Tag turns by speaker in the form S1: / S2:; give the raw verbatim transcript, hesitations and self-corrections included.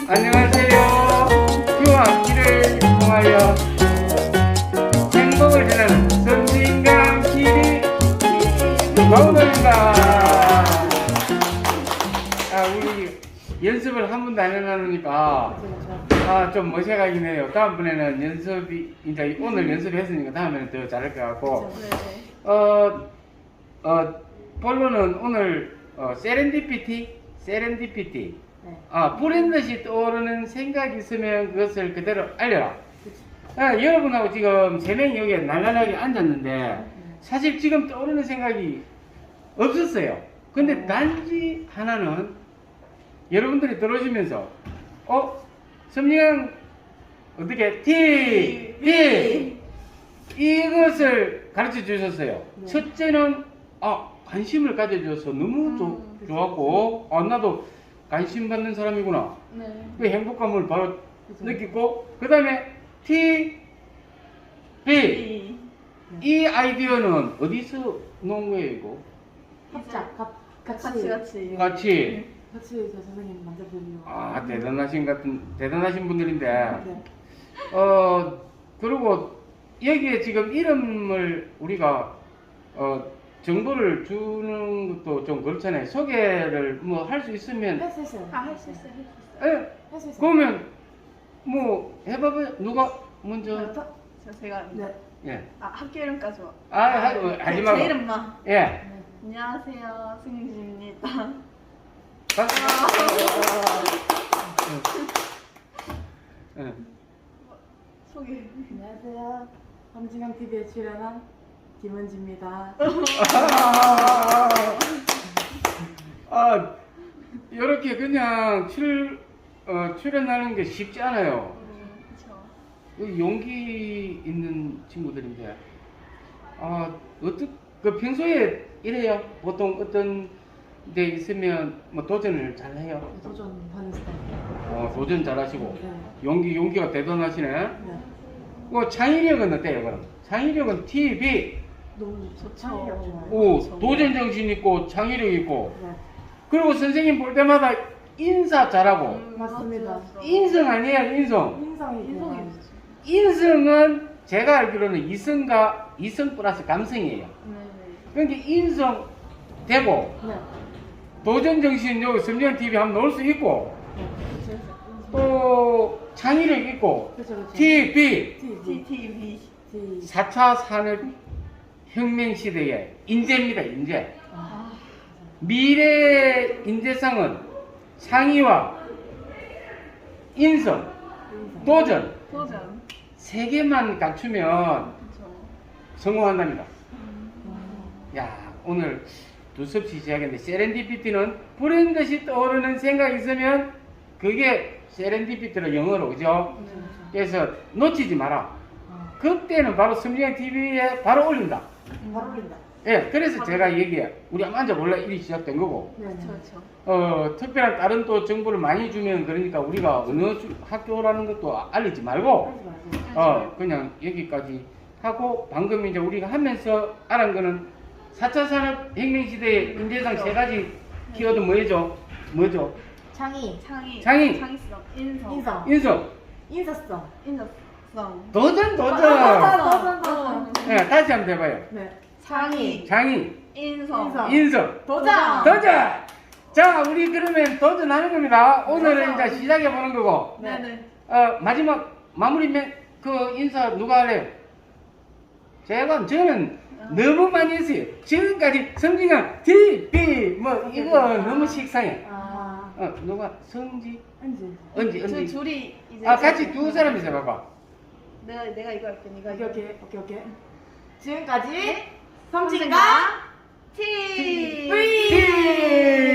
S1: 안녕하세요. 휴학 길을 통하여 행복을 전하는 섬진강 길이 광우입니다. 아, 우리 연습을 한 번도 안 해놨으니까 아, 좀 어색하긴 해요. 다음번에는 연습이 이제 오늘 연습했으니까 다음에는 더 잘할 것 같고 어, 어, 본론은 오늘 어, 세렌디피티 세렌디피티
S2: 네.
S1: 아, 불인 듯이 떠오르는 생각이 있으면 그것을 그대로 알려라. 아, 여러분하고 지금 세 명이 여기에 날라라게 앉았는데 사실 지금 떠오르는 생각이 없었어요. 근데 단지 하나는 여러분들이 들어오시면서 어? 섬유형 어떻게 T, B 이것을 가르쳐 주셨어요.
S2: 네.
S1: 첫째는 아, 관심을 가져줘서 너무
S2: 음,
S1: 좋,
S2: 그쵸.
S1: 좋았고 아, 나도 관심 받는 사람이구나.
S2: 네.
S1: 그 행복감을 바로
S2: 그죠.
S1: 느끼고 그 다음에 T, B 이 아이디어는 어디서 나온 거예요 이거?
S2: 합작, 가, 같이,
S3: 같이 같이
S1: 같이
S2: 같이 저 선생님 만져 보려고.
S1: 아, 대단하신 같은 대단하신 분들인데
S2: 네.
S1: 어, 그리고 여기에 지금 이름을 우리가 어, 정보를 주는 것도 좀 그렇잖아요. 소개를 뭐 할 수 있으면
S2: 할수 있어요.
S3: 아, 할 수 있어요, 할 수 있어요.
S1: 에,
S2: 할수 있어요.
S1: 그러면 뭐 해봐봐요. 누가 먼저
S2: 저,
S3: 저 제가
S2: 네.
S1: 예.
S3: 아 학교 이름까지 와.
S1: 아, 하, 어, 하지
S3: 제
S1: 말고.
S3: 이름만.
S1: 예.
S2: 네.
S3: 안녕하세요, 승진입니다.
S1: 박수. 예. 예.
S3: 소개.
S2: 안녕하세요. 섬진강 티비에 출연한 김은지입니다.
S1: 아, 이렇게 그냥 출, 어, 출연하는 게 쉽지 않아요.
S3: 그렇죠.
S1: 그 용기 있는 친구들인데, 아, 어떻게, 그 평소에 이래요? 보통 어떤 데 있으면 뭐 도전을 잘 해요?
S2: 도전하는 스타일.
S1: 어, 도전 잘 하시고,
S2: 네.
S1: 용기, 용기가 대단하시네?
S2: 네.
S1: 그 창의력은 어때요, 그럼? 창의력은 T, B,
S2: 너무
S3: 좋죠.
S2: 창의력 좋아요.
S1: 오,
S3: 그렇죠.
S1: 도전 정신 있고, 창의력 있고,
S2: 네.
S1: 그리고 선생님 볼 때마다 인사 잘하고,
S3: 음,
S2: 맞습니다.
S3: 맞죠, 맞죠.
S1: 인성 아니에요, 인성.
S2: 인성이
S3: 인성이
S2: 대단하죠.
S3: 있으시죠.
S1: 인성은 제가 알기로는 이성과 이성 플러스 감성이에요.
S3: 네.
S1: 그러니까 인성 되고
S2: 네.
S1: 도전 정신 여기 섬유형 티비 한번 넣을 수 있고
S2: 네.
S1: 또 창의력 있고
S2: 그렇죠, 그렇죠.
S1: T, B
S2: T,
S3: T T V.
S2: T.
S1: 사 차 산업혁명 시대의 인재입니다, 인재.
S2: 아,
S1: 미래 인재상은 창의와 인성,
S2: 인성.
S1: 도전
S3: 도전.
S1: 세 개만 갖추면
S3: 그렇죠.
S1: 성공한답니다.
S2: 음.
S1: 야, 오늘 두섭시 시작했는데 세렌디피티는 불행 듯이 떠오르는 생각이 있으면 그게 세렌디피티로 영어로 그죠?
S2: 그렇죠, 그렇죠.
S1: 그래서 놓치지 마라.
S2: 아,
S1: 그때는 바로 섬유형 티비에 바로 올린다.
S2: 바로 올린다.
S1: 예, 그래서 제가 얘기해. 우리 한번 앉아볼라 일이 시작된 거고.
S2: 네.
S3: 그렇죠, 그렇죠.
S1: 어, 특별한 다른 또 정보를 많이 주면 그러니까 우리가 어느 주- 학교라는 것도 알리지 말고
S2: 하지 말고.
S1: 어, 그냥 여기까지 하고 방금 이제 우리가 하면서 알은 거는 사 차 산업혁명 시대의 인재상 세 가지 키워드 뭐죠? 뭐죠?
S2: 창의,
S3: 창의.
S1: 창의.
S3: 창의성. 인성.
S2: 인성,
S1: 인성,
S2: 인사성.
S3: 인성성.
S1: 도전, 도전.
S2: 도전, 도전.
S1: 네, 다시 한번 해봐요.
S2: 네.
S3: 창의.
S1: 장이,
S3: 인성.
S2: 인성.
S1: 인성,
S2: 도전.
S1: 도전. 자, 우리 그러면 도전하는 겁니다. 오늘은
S2: 도전.
S1: 이제 시작해 보는 거고.
S3: 네네.
S1: 어, 마지막 마무리 멘, 그 인사 누가 할래요? 제가 저는 너무 많이 했어요. 지금까지 성진강 티 비 뭐 이거 너무 식상해.
S2: 아,
S1: 어, 누가 성지,
S2: 은지.
S1: 언지,
S3: 저희
S1: 언지.
S3: 둘이 이제.
S1: 아, 같이 두 사람이서 봐봐.
S3: 내가 내가 이거 할게. 네가
S2: 오케이,
S3: 이거.
S2: 오케이, 오케이, 오케이. 지금까지
S3: 섬진강
S2: 섬진강
S3: 티.
S2: V.